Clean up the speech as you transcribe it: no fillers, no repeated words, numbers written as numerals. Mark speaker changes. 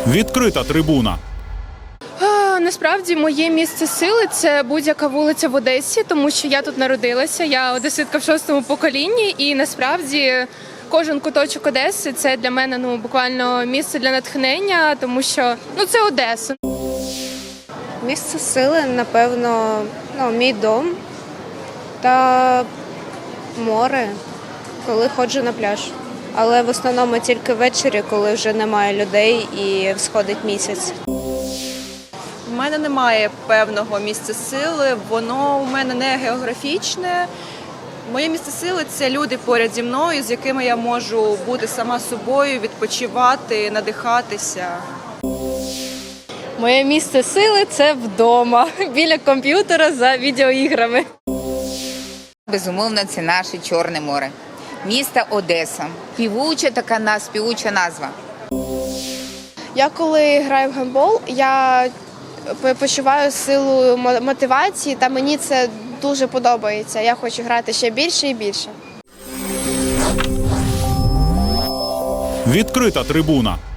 Speaker 1: Відкрита трибуна.
Speaker 2: Насправді моє місце сили – це будь-яка вулиця в Одесі, тому що я тут народилася, я одеситка в 6-му поколінні, і насправді кожен куточок Одеси – це для мене буквально місце для натхнення, тому що це Одеса.
Speaker 3: Місце сили, напевно, мій дом та море, коли ходжу на пляж. Але в основному тільки ввечері, коли вже немає людей і всходить місяць.
Speaker 4: У мене немає певного місця сили, воно у мене не географічне. Моє місце сили – це люди поряд зі мною, з якими я можу бути сама собою, відпочивати, надихатися.
Speaker 2: Моє місце сили – це вдома, біля комп'ютера за відеоіграми.
Speaker 5: Безумовно, це наше Чорне море. Місто Одеса. Співуча назва.
Speaker 6: Я коли граю в гандбол, я почуваю силу мотивації, та мені це дуже подобається. Я хочу грати ще більше і більше.
Speaker 1: Відкрита трибуна.